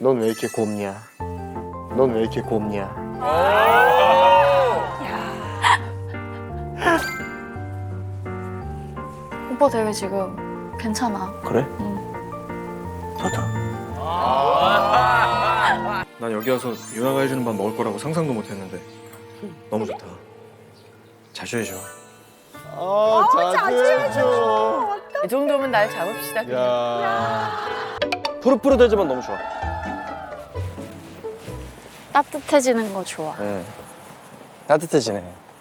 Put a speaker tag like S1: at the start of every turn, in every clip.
S1: 넌 왜 이렇게 곱냐? 넌 왜 이렇게 곱냐?
S2: 오빠 되게 지금 괜찮아.
S1: 그래?
S2: 응.
S1: 좋다. 난 여기 와서 유나가 해주는 밥 먹을 거라고 상상도 못했는데 너무 좋다. 자주 해줘.
S3: 자주 해줘.
S4: 이 정도면 날 잡읍시다.
S3: 야. 푸릇푸릇해지면 너무 좋아.
S2: 따뜻해지는 거 좋아.
S3: 네. 따뜻해지네.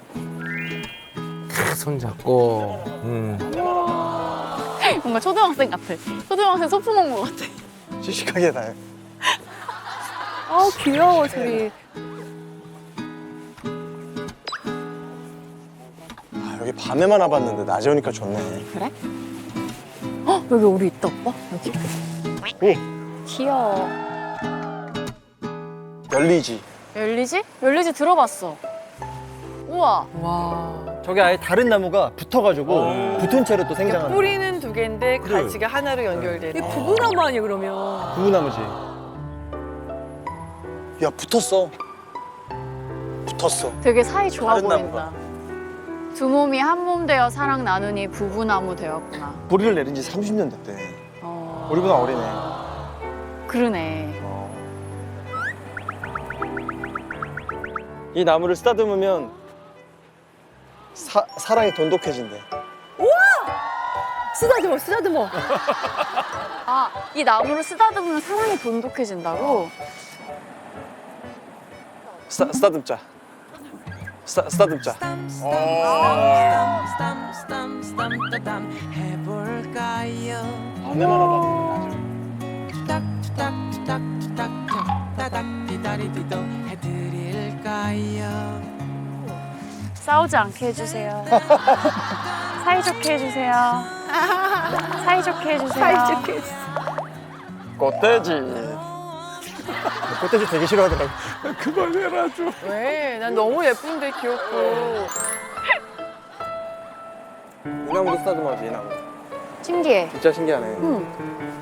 S5: 손 잡고.
S2: 뭔가 초등학생 같아. 초등학생 소품 온 거 같아.
S3: 씩씩하게 다 해.
S4: 아우 귀여워 둘이.
S3: 아, 여기 밤에만 와봤는데 낮에 오니까 좋네.
S2: 그래? 헉, 여기 우리 있다 오빠? 여기. 귀여워.
S3: 열리지.
S2: 열리지? 열리지 들어봤어. 우와.
S4: 와.
S3: 저게 아예 다른 나무가 붙어가지고 붙은 채로 또 생장하는.
S4: 뿌리는 두 개인데 가지가 하나로 연결되는. 이게 부부나무 아니야 그러면?
S3: 구나무지. 야 붙었어. 붙었어.
S2: 되게 사이 좋아
S3: 다른
S2: 보인다. 두 몸이 한 몸 되어 사랑 나누니 부부나무 되었구나.
S3: 뿌리를 내린 지 30년 됐대.
S2: 어.
S3: 우리보다 어리네.
S2: 그러네.
S3: 이 나무를 쓰다듬으면 사랑이 돈독해진대.
S4: 쓰다듬어 쓰다듬어.
S2: 아, 이 나무를 쓰다듬으면 사랑이 돈독해진다고?
S3: 쓰다듬자. 쓰다듬자. 밤에만 와봤는데
S2: 싸우지 않게 해주세요. 사이좋게 해주세요. 사이좋게 해주세요.
S4: 사이좋게.
S3: 꽃돼지. 꽃돼지 되게 싫어하더라고.
S1: 그만해라 좀.
S4: 왜? 난 너무 예쁜데 귀엽고.
S3: 이 나무도 쓰다듬어야지, 이 나무.
S2: 신기해.
S3: 진짜 신기하네.
S2: 응.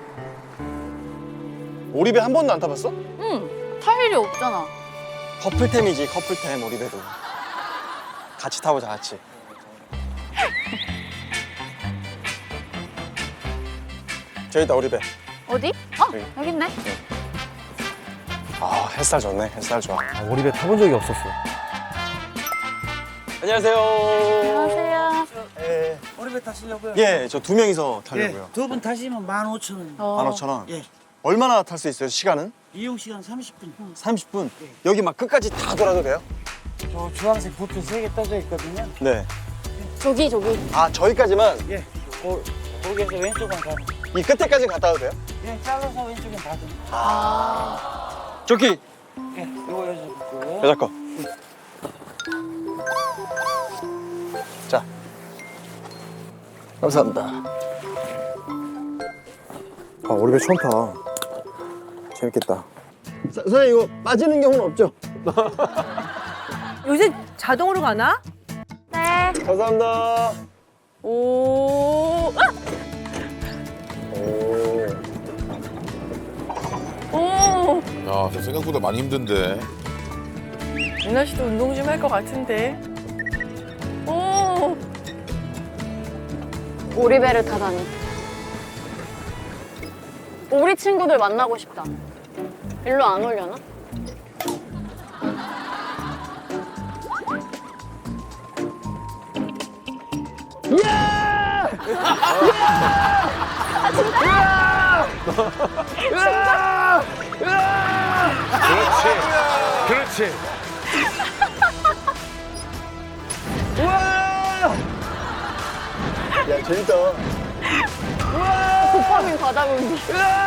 S3: 오리배 한 번도 안 타봤어?
S2: 응. 탈 일이 없잖아.
S3: 커플템이지, 커플템, 오리배도. 같이 타보자, 같이. 저기다, 오리배.
S2: 어디? 어?
S3: 여기.
S2: 여기 있네.
S3: 아, 햇살 좋네, 햇살 좋아.
S5: 오리배 타본 적이 없었어.
S3: 안녕하세요.
S2: 안녕하세요.
S3: 예,
S6: 오리배 타시려고요?
S3: 예, 저 두 명이서 타려고요.
S6: 예, 두 분 타시면 15,000원.
S3: 15,000원.
S6: 예.
S3: 얼마나 탈 수 있어요, 시간은?
S6: 이용 시간 30분.
S3: 30분. 여기 막 끝까지 다 돌아도 돼요?
S6: 저 주황색 부표 3개 떠져 있거든요.
S3: 네.
S2: 저기.
S3: 아, 저기까지만
S6: 예. 거기에서 왼쪽은 가면.
S3: 이 끝에까지 갔다 와도 돼요?
S6: 예, 잘라서 왼쪽은 닫으면.
S3: 저기,
S6: 예, 이거 여자 붙고요.
S3: 여자 거. 자. 감사합니다. 아, 오리배 처음 타. 재밌겠다. 선생님, 이거 빠지는 경우는 없죠?
S4: 요새 자동으로 가나?
S2: 네.
S3: 감사합니다.
S4: 오. 아!
S3: 오.
S4: 오.
S7: 야, 저 생각보다 많이 힘든데.
S4: 유나 씨도 운동 좀 할 것 같은데. 오.
S2: 오리배를 타다니. 우리 친구들 만나고 싶다. 일로 안 오려나?
S5: 그렇지.
S3: 야, 재밌다.
S2: 도파민 바다군디.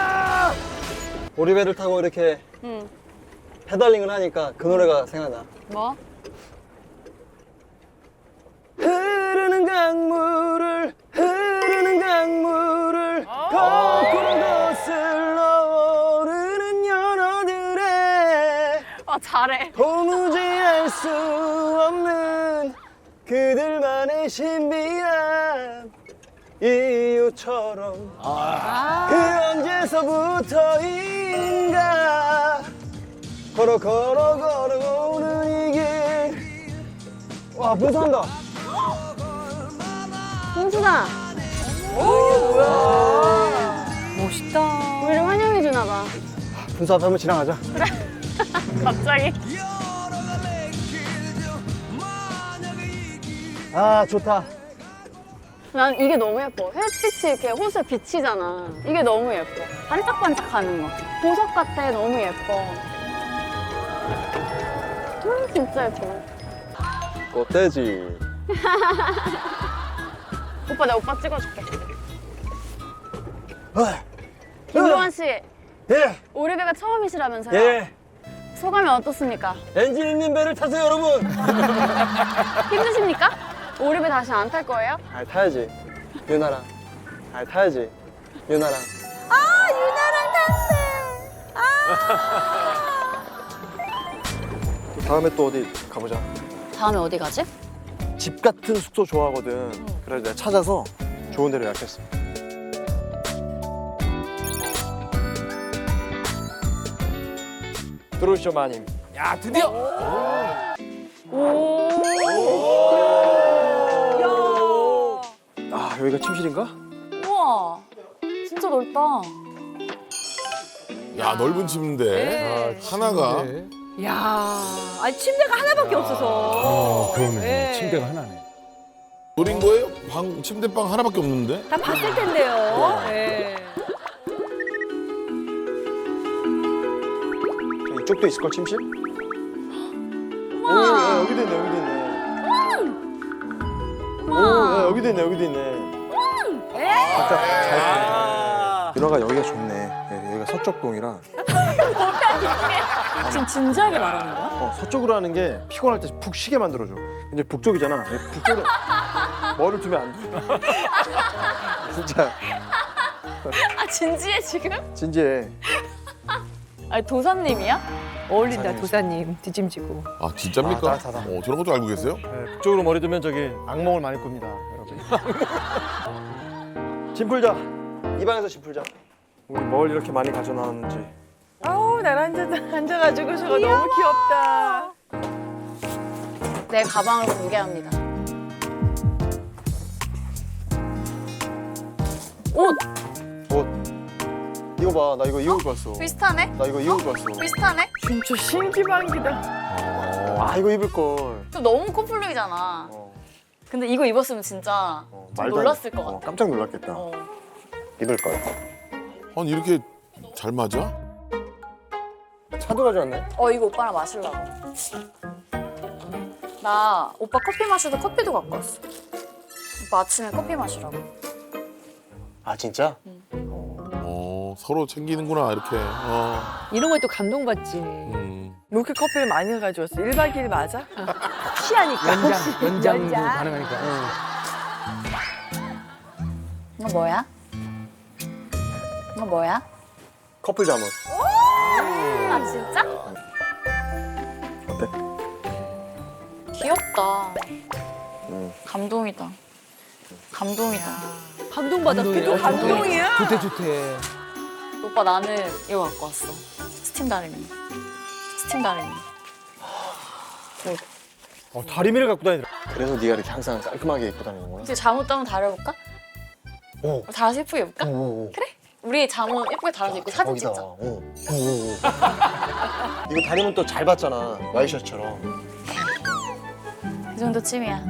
S3: 오리배를 타고 이렇게
S2: 응.
S3: 페달링을 하니까 그 노래가 생각나.
S2: 뭐?
S3: 흐르는 강물을 거꾸로 거슬러 오르는 연어들의
S2: 아, 잘해.
S3: 도무지 알 수 없는 그들만의 신비한 이유처럼 그 언제서부터인가 걸어오는 이게. 와, 분수한다.
S2: 홍수다.
S4: 멋있다.
S2: 우리를 환영해 주나 봐.
S3: 분수 앞에 한번 지나가자.
S2: 갑자기.
S3: 아, 좋다.
S2: 난 이게 너무 예뻐. 햇빛이 이렇게 호수에 비치잖아. 이게 너무 예뻐. 반짝반짝하는 거. 보석 같아. 너무 예뻐. 진짜 예뻐.
S3: 꽃돼지.
S2: 오빠 내가 오빠 찍어줄게.
S3: 아,
S2: 김도환 씨,
S3: 예,
S2: 오리배가 처음이시라면서요?
S3: 예.
S2: 소감이 어떻습니까?
S3: 엔진 있는 배를 타세요, 여러분.
S2: 힘드십니까? 오리배 다시 안 탈 거예요?
S3: 아, 타야지. 유나랑. 아, 타야지. 유나랑. 다음에 또 어디 가보자.
S2: 다음에 어디 가지?
S3: 집 같은 숙소 좋아하거든. 그래서 내가 찾아서 좋은 데로 예약했어. 들어오시죠, 마님.
S5: 야, 드디어.
S3: 아, 여기가 침실인가?
S2: 우와, 진짜 넓다.
S7: 야 넓은 침대 하나가
S4: 야, 아니 침대가 하나밖에 없어서.
S5: 그러네.
S4: 예.
S5: 침대가 하나네.
S7: 노린 거예요? 침대방 하나밖에 없는데?
S4: 다 봤을 텐데요. 예.
S3: 이쪽도 있을걸, 침실? 오, 야, 여기도 있네, 여기도 있네. 오, 야, 여기도 있네, 여기도 있네. 각자 잘 보네. 윤아가 여기가 좋네. 예, 여기가 서쪽동이라.
S2: 지금 진지하게 말하는 거야?
S3: 서쪽으로 하는 게 피곤할 때 푹 쉬게 만들어줘. 근데 북쪽이잖아. 북쪽은 머리를 두면 안 돼. 진짜
S2: 아, 진지해 지금?
S3: 진지해.
S2: 아니, 도사님이야?
S4: 어울린다 도사님 뒤짐지고.
S7: 아 진짜입니까?
S3: 아, 따뜻하다.
S7: 저런 것도 알고 계세요?
S3: 네, 북쪽으로 머리 두면 저기 악몽을 많이 꿉니다, 여러분. 짐 풀자. 이 방에서 짐 풀자. 우리 뭘 이렇게 많이 가져나왔는지.
S4: 아우 나랑 앉아가지고 저거 너무 귀엽다.
S2: 내 가방을 공개합니다. 옷!
S3: 옷. 이거 봐, 나 이거 입을 왔어.
S2: 비슷하네?
S3: 나 이거 입을 왔어.
S2: 비슷하네?
S4: 진짜 신기방기다.
S3: 아, 이거 입을 걸.
S2: 또 너무 코플룩이잖아. 근데 이거 입었으면 진짜 좀 놀랐을 것 같아.
S3: 깜짝 놀랐겠다.
S2: 어.
S3: 입을 걸.
S7: 아니 이렇게 잘 맞아?
S3: 차도 가져왔네.
S2: 이거 오빠랑 마시려고. 나 오빠 커피 마셔도 커피도 갖고 왔어. 오빠 아침에 커피 마시라고.
S3: 아, 진짜?
S7: 서로 챙기는구나 이렇게.
S4: 이런 거에 또 감동받지. 이렇게 커피를 많이 가져왔어. 1박 2일 맞아? 취하니까.
S5: 연장도 가능하니까.
S2: 이거 뭐야? 이거 뭐야?
S3: 커플 잠옷.
S2: 아, 진짜?
S3: 어때?
S2: 귀엽다. 감동이다. 감동이다.
S4: 감동받았어. 또 감동이야.
S5: 좋대.
S2: 오빠 나는 이거 갖고 왔어. 스팀 다리미. 스팀 다리미.
S3: 다리미를 갖고 다니더라. 그래서 네가 이렇게 항상 깔끔하게 입고 다니는구나.
S2: 혹시 잠옷도 한번 다려볼까?
S3: 오.
S2: 달아서 예쁘게 입을까?
S3: 오.
S2: 그래? 우리 잠옷 예쁘게 달아서 입고 사진 찍자.
S3: 이거 다리면 또 잘 봤잖아. 와이셔츠처럼.
S2: 이 정도 쯤이야.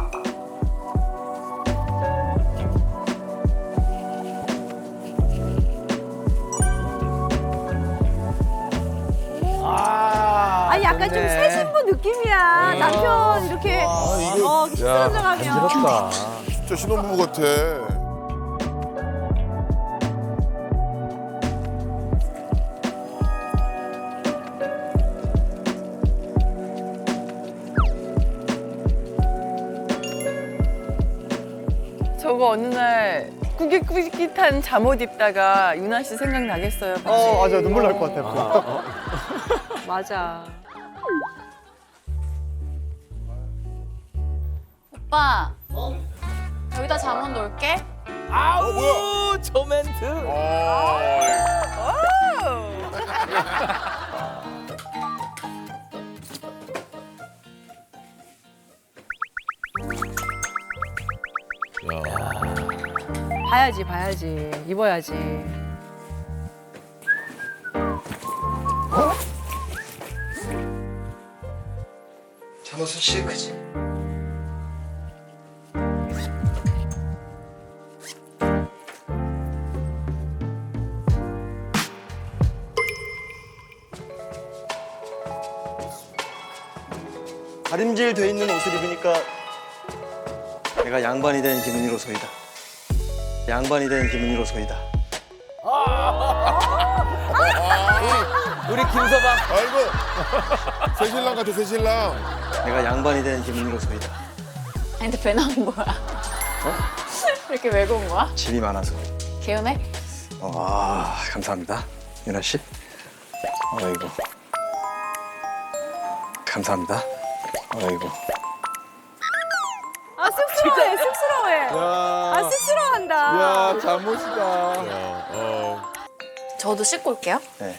S4: 아 약간 좀 새 신부 느낌이야. 남편 이렇게 키스하러 가면.
S5: 간지럽다.
S7: 진짜 신혼부부 같아.
S4: 저거 어느 날 꾸깃꾸깃한 잠옷 입다가 유나 씨 생각나겠어요. 같이.
S3: 맞아. 눈물 날 것 같아.
S4: 맞아.
S2: 오빠. 여기다 잠옷 놓을게.
S5: 아우, 저 멘트.
S4: 봐야지, 봐야지. 입어야지.
S1: 잠옷은 시크지. 다림질 돼 있는 옷을 입으니까 내가 양반이 된 기분이로소이다. 양반이 된 기분이로소이다.
S5: 우리 김서방.
S7: 아이고 새신랑 같아 새신랑.
S1: 내가 양반이 된 기분이로소이다.
S2: 아니 근데 배 나온 거야. 이렇게 왜 온 거야?
S1: 짐이 많아서.
S2: 개운해?
S1: 감사합니다. 유나 씨. 아이고. 감사합니다. 아이고.
S4: 아, 쑥스러워해, 쑥스러워해. 아, 쑥스러워한다.
S3: 야 잠옷이다.
S2: 저도 씻고 올게요.
S1: 네.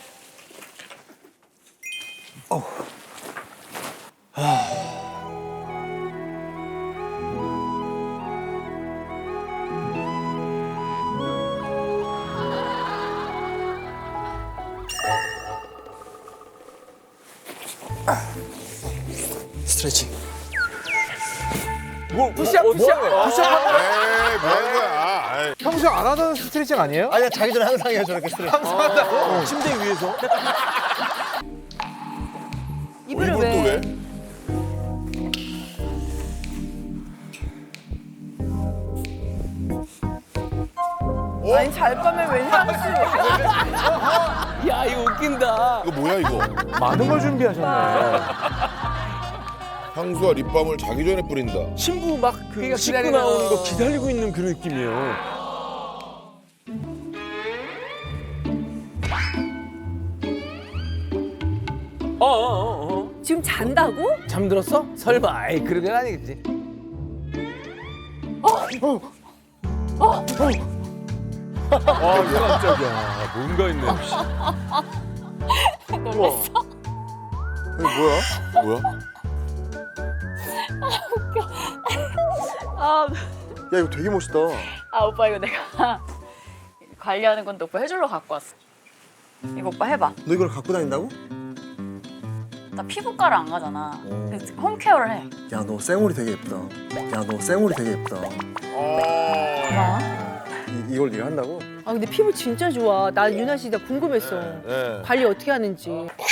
S1: 스트레칭.
S5: 푸시업.
S7: 에이 뭐 하는 거야. 아이.
S3: 평소 안 하던 스트레칭 아니에요?
S1: 아니야, 자기 전에 항상 해요, 저렇게 스트레칭.
S3: 한다고?
S1: 침대 위에서.
S4: 이불을
S7: 이불 또
S4: 왜?
S7: 왜?
S4: 아니, 잘 거면 왜 향수?
S5: 야, 이거 웃긴다.
S7: 이거 뭐야 이거?
S3: 많은 걸 준비하셨네.
S7: 향수와 립밤을 자기 전에 뿌린다.
S5: 신부 막 그 씻고
S4: 기다리는
S5: 나오는
S4: 거.
S5: 거 기다리고 있는 그런 느낌이에요.
S4: 지금 잔다고?
S5: 잠들었어? 설마, 아이, 그런 건 아니겠지. 아, 깜짝이야. 뭔가 있네.
S2: 놀랬어?
S3: 이거 뭐야?
S7: 뭐야?
S2: 아,
S3: 야 이거 되게 멋있다.
S2: 오빠 이거 내가 관리하는 건데 오빠 해주러 갖고 왔어. 이거 오빠 해봐.
S1: 너 이걸 갖고 다닌다고?
S2: 나 피부과를 안 가잖아. 그래서 홈케어를 해.
S1: 야, 너 쌩얼이 되게 예쁘다. 야, 너 쌩얼이 되게 예쁘다.
S2: 고마워.
S1: 이걸 네가 한다고?
S4: 아, 근데 피부 진짜 좋아. 나 유나 씨 나 궁금했어.
S7: 네.
S4: 관리 어떻게 하는지.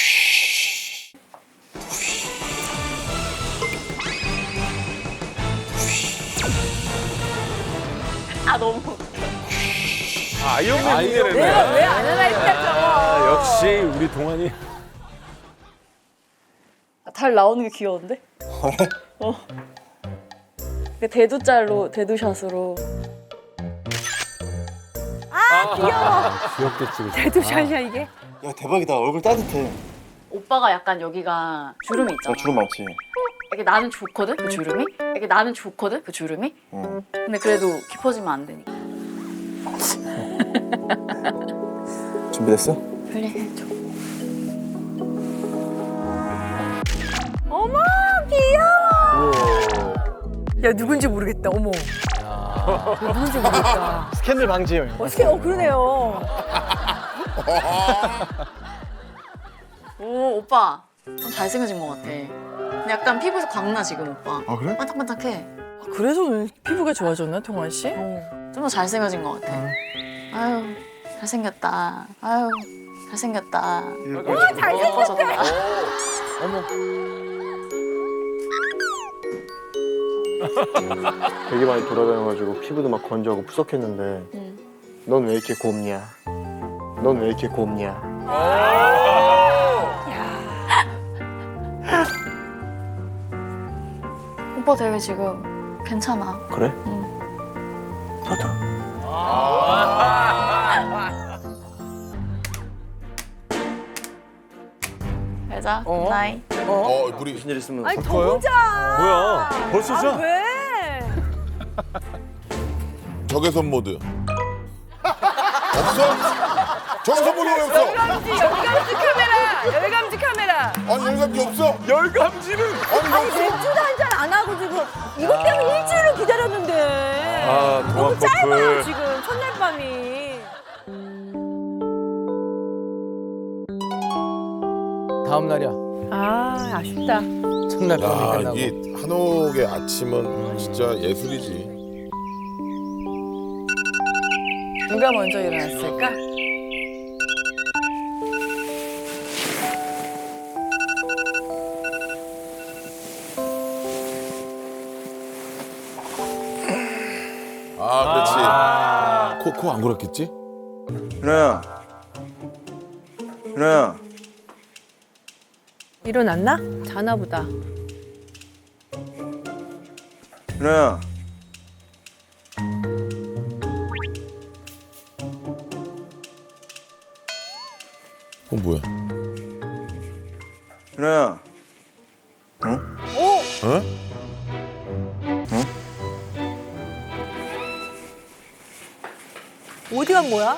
S2: 아 너무.
S5: 아이언맨
S4: 내가
S5: 네
S4: 왜 안 하나 했다고.
S5: 역시 우리 동안이.
S2: 달 나오는 게 귀여운데? 그 대두짤로 대두샷으로.
S5: 귀엽겠지, 그치?
S4: 대두샷이야 이게.
S1: 야, 대박이다. 얼굴 따뜻해.
S2: 오빠가 약간 여기가 주름이 있잖아.
S1: 나 주름 많지?
S2: 이게 나는 좋거든 그 주름이. 이게 나는 좋거든 그 주름이. 근데 그래도 깊어지면 안 되니까.
S1: 준비됐어?
S2: 빨리 해줘.
S4: 어머 귀여워. 야 누군지 모르겠다. 어머. 누군지 모르겠다.
S1: 스캔들 방지예요.
S4: 어떻게? 그러네요.
S2: 오 오빠 좀 잘생겨진 것 같아. 근데 약간 피부에서 광나 지금 오빠.
S1: 아, 그래?
S2: 반짝반짝해.
S4: 그래서 피부가 좋아졌나 동환 씨?
S2: 좀 더 잘생겨진 것 같아. 아유 잘생겼다. 아유 잘생겼다. 잘생겼다.
S3: 되게 많이 돌아다녀가지고 피부도 막 건조하고 푸석했는데 넌 왜 이렇게 곱냐? 넌 왜 이렇게 곱냐?
S2: 오빠 되게 지금 괜찮아.
S1: 그래? 나도.
S2: 여자 나이.
S7: 우리
S1: 무슨 일 있으면
S4: 아니 더 보자.
S5: 뭐야? 벌써 자?
S4: 왜?
S7: 적외선 모드. 없어? 적외선 모드 왜 없어?
S4: 열감지 카메라. 열감지 카메라.
S7: 아니 열감기 없어?
S5: 열감지는.
S7: 아니 없어?
S4: 맥주도 한잔 안 하고 지금 이것 때문에 일주일을 기다렸는데.
S5: 아,
S4: 너무
S5: 동안
S4: 짧아요
S5: 커플.
S4: 지금 첫
S8: 다음 날이야.
S4: 아, 아쉽다.
S8: 첫날 밤에
S7: 야,
S8: 끝나고.
S7: 이 한옥의 아침은 진짜 예술이지.
S4: 누가 먼저 일어났을까?
S7: 아, 그렇지. 코 안 골았겠지?
S1: 윤아야. 윤아야.
S4: 일어났나? 자나 보다.
S1: 윤아야.
S7: 뭐야?
S1: 윤아야.
S7: 어?
S4: 어디 간 거야?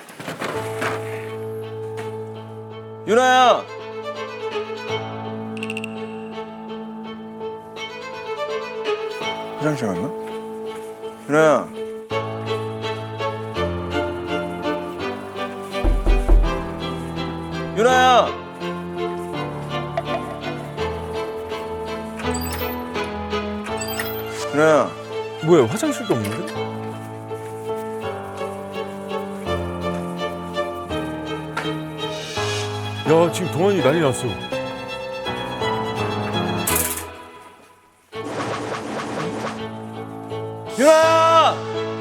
S1: 윤아야. 화장실 갔나? 윤아야. 윤아야. 윤아야.
S5: 뭐야 화장실도 없는데? 야 지금 동환이 난리 났어.
S1: 윤아야.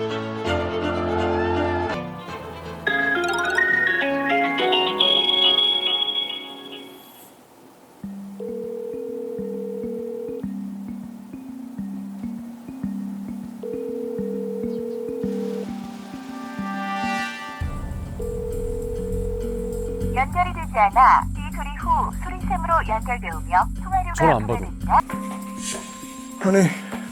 S9: 연결이 되지 않아 이 소리 후 소리샘으로 연결되오며 통화료가
S5: 전화 안 받아.
S9: 부과됩니다.
S1: 아니.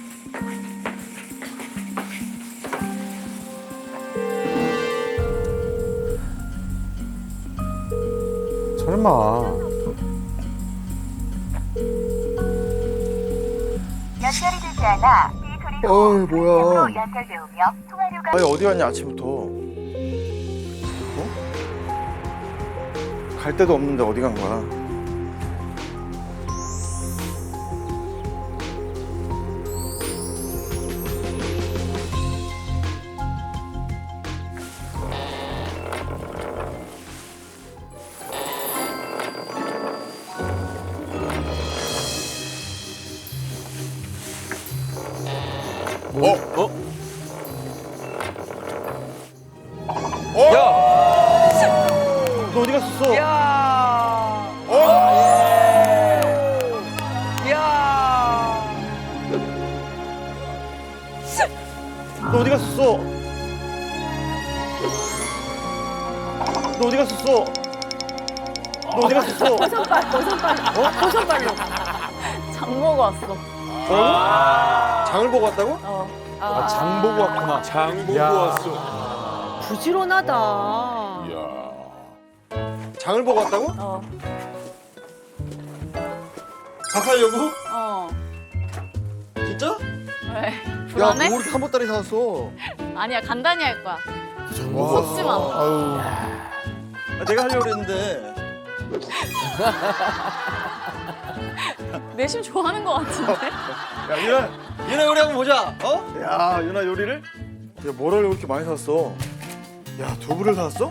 S3: 설마.
S9: 연결이 되지 않아 이 소리 후
S3: 어이, 뭐야.
S9: 소리샘으로 연결되오며 통화료가
S3: 아니 어디 갔냐 아침부터. 어? 갈 데도 없는데 어디 간 거야? 너 어디 갔었어?
S4: 야. 야.
S3: 너 어디 갔었어? 너 어디 갔었어? 너 어디 갔었어?
S4: 호선발로.
S2: 장 보고 왔어.
S3: 장을 보고 왔다고?
S2: 어.
S3: 장 보고 왔구나.
S5: 장 보고
S3: 야.
S5: 왔어.
S4: 부지런하다.
S7: 이야.
S3: 장을 보고 왔다고?
S2: 어.
S3: 박하려고?
S2: 어.
S3: 진짜?
S2: 왜?
S3: 야,
S2: 불안해?
S3: 뭐 이렇게 한 보따리 사왔어?
S2: 아니야, 간단히 할 거야.
S3: 와.
S2: 걷지 마.
S3: 아유. 내가 하려고 그랬는데.
S2: 내심 좋아하는 거 같은데?
S3: 야, 유나 요리 한번 보자. 어? 야, 유나 요리를? 야, 뭘 하려고 이렇게 많이 샀어? 야, 두부를 샀어?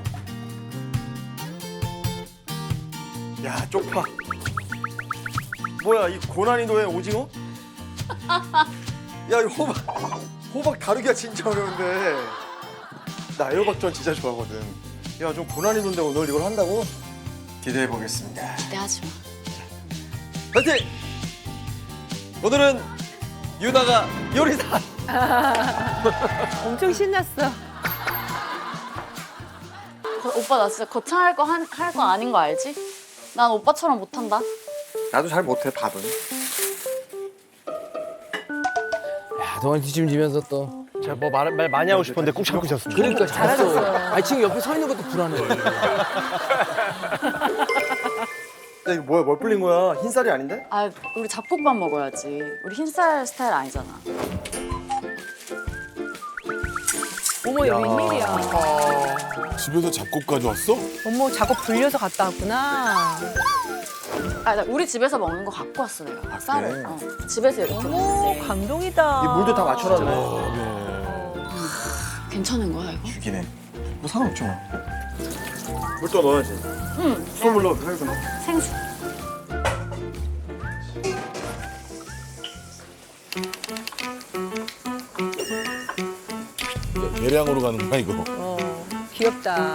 S3: 야, 쪽파. 뭐야, 이 고난이도의 오징어? 야, 이 호박 다루기가 진짜 어려운데. 나 애호박전 진짜 좋아하거든. 야, 좀 고난이도인데 오늘 이걸 한다고? 기대해 보겠습니다.
S2: 기대하지 마.
S3: 파이팅! 오늘은 유나가 요리사.
S4: 엄청 신났어.
S2: 오빠 나 진짜 거창할 거 할 거 아닌 거 알지? 난 오빠처럼 못한다.
S3: 나도 잘 못해 밥은.
S8: 야, 동안 뒷짐지면서 또.
S3: 제가 뭐 말 많이 하고 싶었는데 꾹 참고 있었습니다.
S8: 그러니까 잘했어. 아니 지금 옆에 서 있는 것도 불안해.
S3: 야, 이거 뭐야? 뭘 불린 거야? 흰쌀이 아닌데?
S2: 아, 우리 잡곡밥 먹어야지. 우리 흰쌀 스타일 아니잖아.
S4: 어머, 여기 웬일이야.
S7: 집에서 잡곡 가져왔어?
S4: 어머, 작업 불려서 갔다 왔구나.
S2: 아, 나 우리 집에서 먹는 거 갖고 왔어 내가. 쌀을.
S3: 그래?
S2: 집에서 이렇게
S4: 어머,
S2: 먹는데.
S4: 감동이다.
S3: 이 물도 다 맞춰놨네.
S2: 괜찮은 거야 이거?
S3: 죽이네. 뭐 상관없잖아. 물 또 넣어야지.
S2: 응.
S3: 수돗물 넣어, 살고 넣어.
S2: 생수.
S7: 대량으로 가는 거야 이거.
S4: 귀엽다.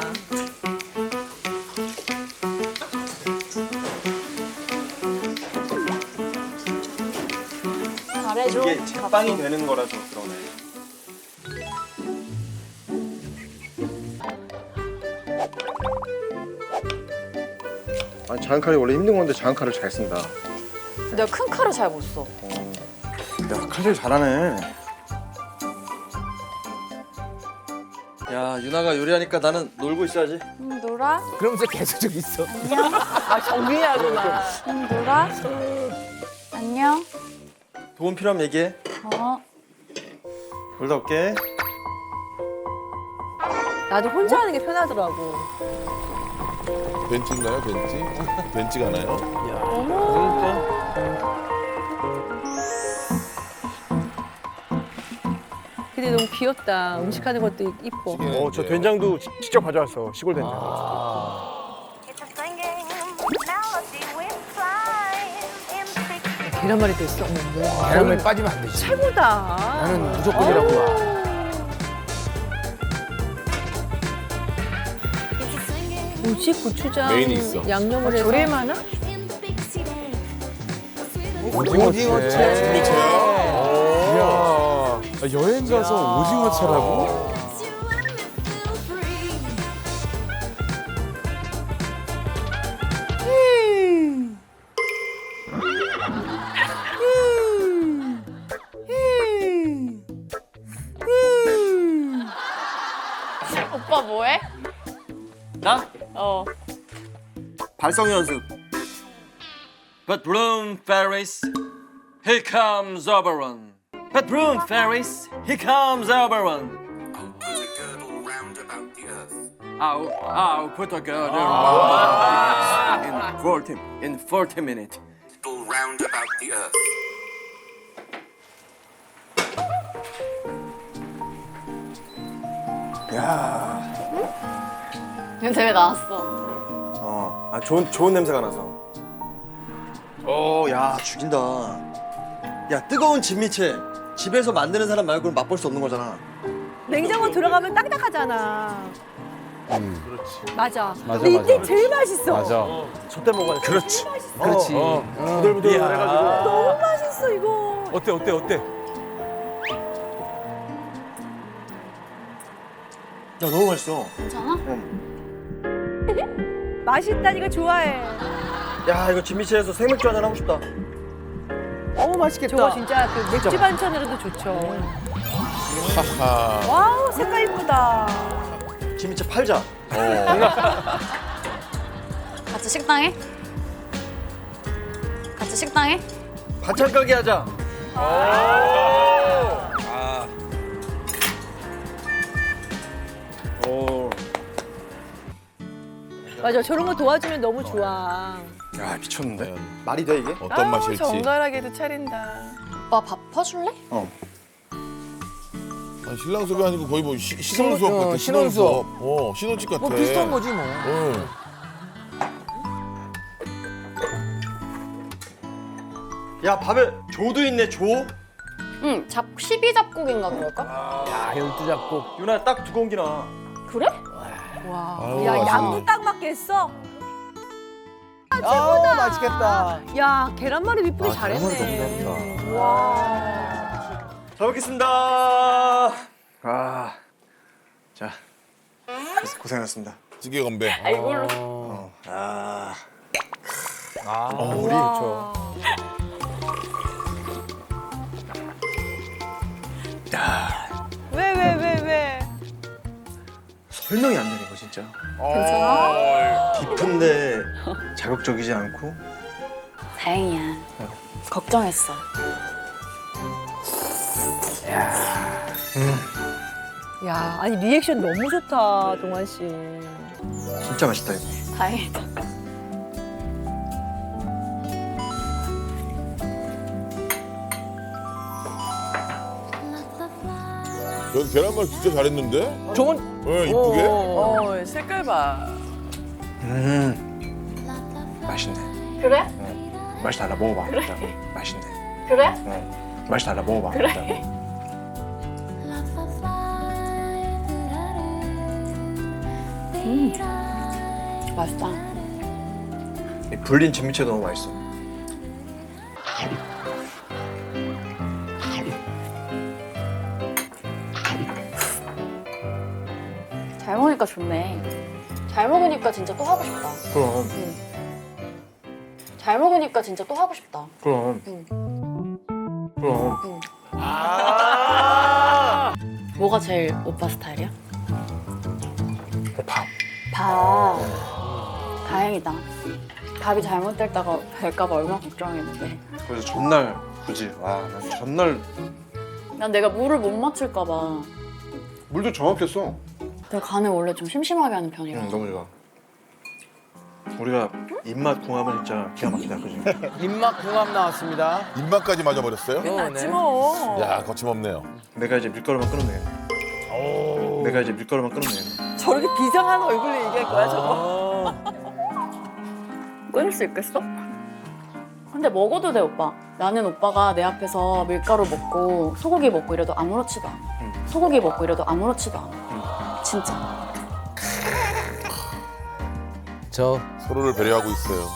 S2: 잘해줘.
S3: 이게 제빵이 되는 거라서 그러네. 아니 자연칼이 원래 힘든 건데 자연칼을 잘 쓴다.
S2: 내가 큰 칼을 잘 못 써.
S3: 야 칼질 잘하네.
S1: 야 유나가 요리하니까 나는 놀고 있어야지.
S2: 놀아?
S8: 그러면서 계속 저기 있어.
S4: 아, 정리하구나.
S2: 놀아? 안녕.
S1: 도움 필요하면 얘기해.
S2: 어.
S3: 놀다 올게.
S4: 나도 혼자 하는 게 편하더라고.
S7: 벤츠인가요 벤츠? 벤츠가 나요?
S4: 근데 너무 귀엽다. 음식하는 것도 이뻐.
S3: 저 된장도 직접 가져왔어. 시골 된장.
S9: It's a singing melody with flying in six.
S4: 계란말이도 있어. 어머, 뭐.
S8: 계란말이 빠지면 안 되지.
S4: 최고다.
S8: 나는 무조건이라고 봐.
S4: 뭐지? 고추장.
S7: 메인이 있어.
S4: 양념을 해서. 조림하나?
S7: 오징어채.
S5: 이야, 여행 가서 오징어채라고?
S2: 오빠 뭐해?
S1: 나?
S2: 어.
S1: 발성 연습. But bloom fairies, here comes Oberon. But bloom fairies, here comes Oberon. I'll put a girdle round in 40 minutes.
S3: 야,
S2: 냄새 나왔어.
S3: 좋은 냄새가 나서.
S1: 야 죽인다. 야 뜨거운 진미채 집에서 만드는 사람 말고는 맛볼 수 없는 거잖아.
S4: 냉장고 들어가면 딱딱하잖아.
S5: 그렇지.
S4: 맞아.
S8: 맞아,
S4: 근데 이때
S8: 맞아.
S4: 제일 맛있어.
S8: 맞아.
S1: 저때 먹어야 돼.
S5: 그렇지.
S8: 그렇지.
S3: 부들부들해가지고.
S4: 너무 맛있어 이거.
S5: 어때, 어때, 어때?
S3: 야 너무 맛있어.
S2: 괜찮아?
S4: 맛있다니까 좋아해.
S1: 야 이거 진미채에서 생맥주 한잔 하고 싶다.
S4: 어우 맛있겠다. 저거 진짜 그 맥주 반찬으로도 좋죠.
S7: 하하.
S4: 와우 색깔 이쁘다.
S1: 진미채 팔자.
S2: 같이 식당에? 같이 식당에?
S1: 반찬 가게 하자. 오.
S4: 맞아 저런 거 도와주면 너무 좋아.
S3: 야 미쳤는데? 말이 돼 이게?
S7: 어떤 맛일지.
S4: 정갈하게도 차린다.
S2: 오빠 밥 퍼줄래?
S7: 아니, 신랑 수업이 아니고 거의 뭐 신혼 수업 같아.
S8: 신혼 수업.
S7: 신혼집 같아.
S8: 뭐 비슷한 거지 뭐.
S7: 응.
S1: 야 밥에 조도 있네 조.
S2: 응, 12잡곡인가 그럴까?
S8: 야, 12잡곡.
S1: 유나 딱 2공기나.
S2: 그래?
S4: 와.
S7: 아유,
S4: 야
S7: 맛있네.
S4: 양도 딱 맞겠어.
S8: 아, 맛있겠다.
S4: 야 계란말이 밑불이
S8: 계란말이
S4: 잘했네.
S8: 너무 잘한다.
S4: 와.
S1: 잘 먹겠습니다.
S3: 자 고생하셨습니다.
S7: 찌개 건배.
S8: 우리 좋죠.
S4: 왜?
S3: 설명이 안 되네 이거 진짜.
S2: 괜찮아?
S3: 깊은데 자극적이지 않고.
S2: 다행이야. 걱정했어.
S4: 야 아니 리액션 너무 좋다 동환 씨.
S3: 진짜 맛있다 이거.
S2: 다행이다.
S7: 저 계란말 진짜 잘했는데?
S8: 좋은.
S7: 네, 이쁘게.
S4: 색깔 봐.
S5: 맛있네.
S2: 그래?
S5: 맛이 달라 먹어봐. 맛있네.
S2: 그래?
S5: 맛이 달라 먹어봐.
S2: 그래? 맛있다.
S1: 이 불린 진미채 너무 맛있어.
S2: 잘 먹으니까 좋네. 잘 먹으니까 진짜 또 하고 싶다.
S1: 그럼.
S2: 잘 먹으니까 진짜 또 하고 싶다.
S1: 그럼. 그럼.
S2: 뭐가 제일 오빠 스타일이야?
S5: 밥.
S2: 밥. 다행이다. 밥이 잘못될까 얼마나 걱정했는데.
S1: 그래서 전날 굳이 난 전날
S2: 난 내가 물을 못 맞출까 봐.
S1: 물도 정확했어.
S2: 내가 간을 원래 좀 심심하게 하는 편이라.
S1: 너무 좋아. 우리가 입맛 궁합은 진짜 기가 막히다, 그지?
S8: 입맛 궁합 나왔습니다.
S7: 입맛까지 맞아버렸어요?
S4: 맞지 뭐.
S7: 야, 거침없네요.
S1: 내가 이제 밀가루만 끊으면 되겠네. 내가 이제 밀가루만 끊으면 되겠네.
S4: 저렇게 비장한 얼굴로 얘기할 거야 저거.
S2: 끊을 수 있겠어? 근데 먹어도 돼, 오빠. 나는 오빠가 내 앞에서 밀가루 먹고 소고기 먹고 이래도 아무렇지도 않아. 소고기 먹고 이래도 아무렇지도 않아. 진짜.
S8: 저
S7: 서로를 배려하고 있어요.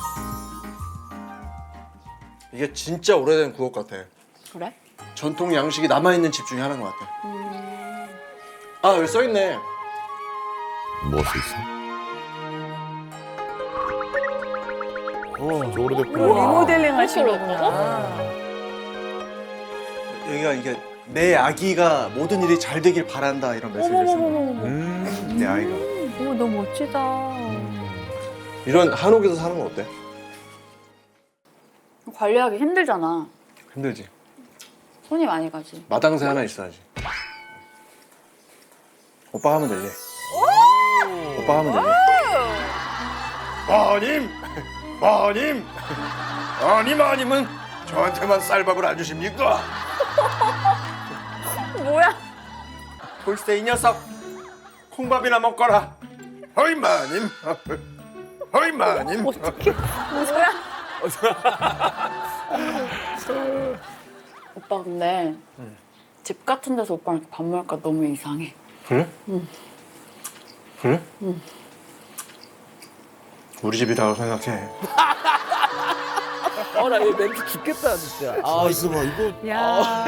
S1: 이게 진짜 오래된 구옥 같아.
S2: 그래?
S1: 전통 양식이 남아있는 집 중에 하나인 것 같아. 아, 여기 써있네.
S7: 뭐가 써 있어? 저 오래됐구나.
S4: 리모델링 하시는
S2: 그렇게
S4: 거구나.
S1: 여기가 이게 내 아기가 모든 일이 잘 되길 바란다 이런 메시지를 쓰는 내 아이가.
S2: 오, 너무 멋지다.
S1: 이런 한옥에서 사는 건 어때?
S2: 관리하기 힘들잖아.
S1: 힘들지.
S2: 손이 많이 가지.
S1: 마당새 하나 있어야지. 오빠 하면 되지. 오빠 하면 되지. 마님! 마님! 마님은 저한테만 쌀밥을 안 주십니까?
S2: 뭐야?
S1: 글쎄 이 녀석 콩밥이나 먹거라. 허이 마님. 허이 마님.
S2: 오빠 근데 집 같은 데서 오빠랑 이렇게 밥 먹을까 너무 이상해.
S1: 그래? 그래? 우리 집이라고 생각해.
S8: 나얘 멘트 죽겠다 진짜.
S7: 아, 있어 봐. 이거
S4: 야.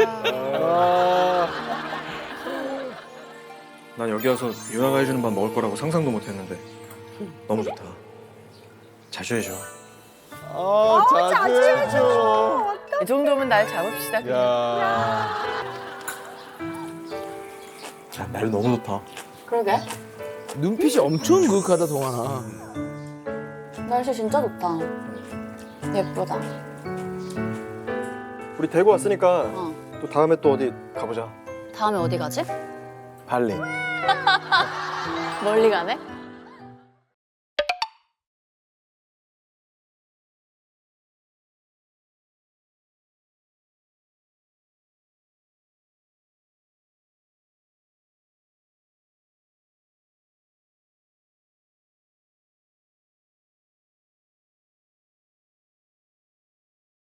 S1: 난 여기 와서 유나가 해주는 밥 먹을 거라고 상상도 못했는데 너무 좋다. 자주 해줘.
S3: 자주 해줘.
S4: 이 정도면 날 잡읍시다. 그냥.
S3: 야.
S1: 자, 날 너무 좋다.
S2: 그러게.
S8: 눈빛이 엄청 그윽하다 동환아.
S2: 날씨 진짜 좋다. 예쁘다.
S1: 우리 대구 왔으니까
S2: 어.
S1: 또 다음에 또 어디 가보자.
S2: 다음에 어디 가지?
S1: 발리.
S2: 멀리 가네?